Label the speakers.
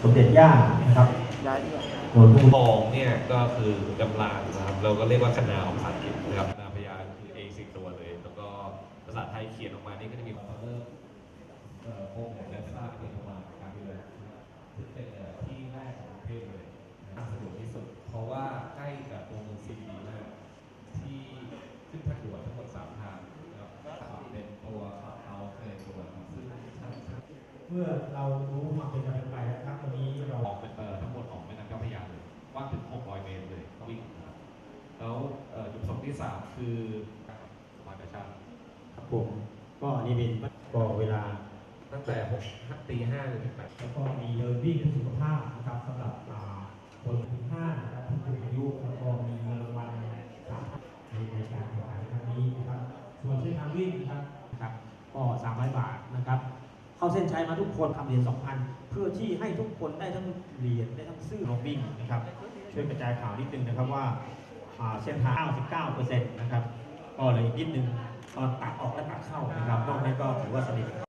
Speaker 1: มเด็จย่านะครับโดนผู้
Speaker 2: ทองเนี่ยก็คือกำลังนะครับเราก็เรียกว่าคณาของภาษาอังกฤษนะครับคณาพยานคือเองสิ่งตัวเลยแล้วก็ภาษาไทยเขียนออกมานี่ก็จะมีความเริ่มโค้งและสร้างเป็นมาการเมืองซึ่งเป็นที่แรกของประเทศเลยสะดวกที่สุดเพราะว่าใกล้กับตัวเมืองซีดีมากที่ขึ้นทางด่วนทั้งหมด3 ทางนะครับเป็นตัวขับเอาในตัวซึ่ง
Speaker 1: เมื่อเรารู้ความเป็นไปแล้วครับวันนี้เรา
Speaker 2: ออกเป็นทั้งหมดออกแม่น้ำเจ้าพระยาเลยกว้างถึง600 เมตรเลยวิ่งนะครับแล้วจุดประสงค์ที่ 3 คือสภากาชาติ
Speaker 1: ครับผมก็นี่เป็นก็เวลา
Speaker 2: ตั้งแต่ตี 5เลยถึง8
Speaker 1: แล้วก็มีเดินวิ่งเพื่อสุขภาพนะครับสำหรับคนถึง5นะครับผู้สูงอายุแล้วก็มีเงินรางวัลในการแข่งขันครั้งนี้นะครับส่วนเส้นทางวิ่งนะครับก็300 บาทนะครับเข้าเส้นชัยมาทุกคนทำเหรียญ 2,000 เพื่อที่ให้ทุกคนได้ทั้งเหรียญได้ทั้งซื่อลงวิ่งนะครับช่วยกระจายข่าวนิดนึงนะครับว่าเส้นทาง 99% นะครับก็เลยนิดนึงตอนตัดออกและตัดเข้านะครับนอกนั้นก็ถือว่าสนิท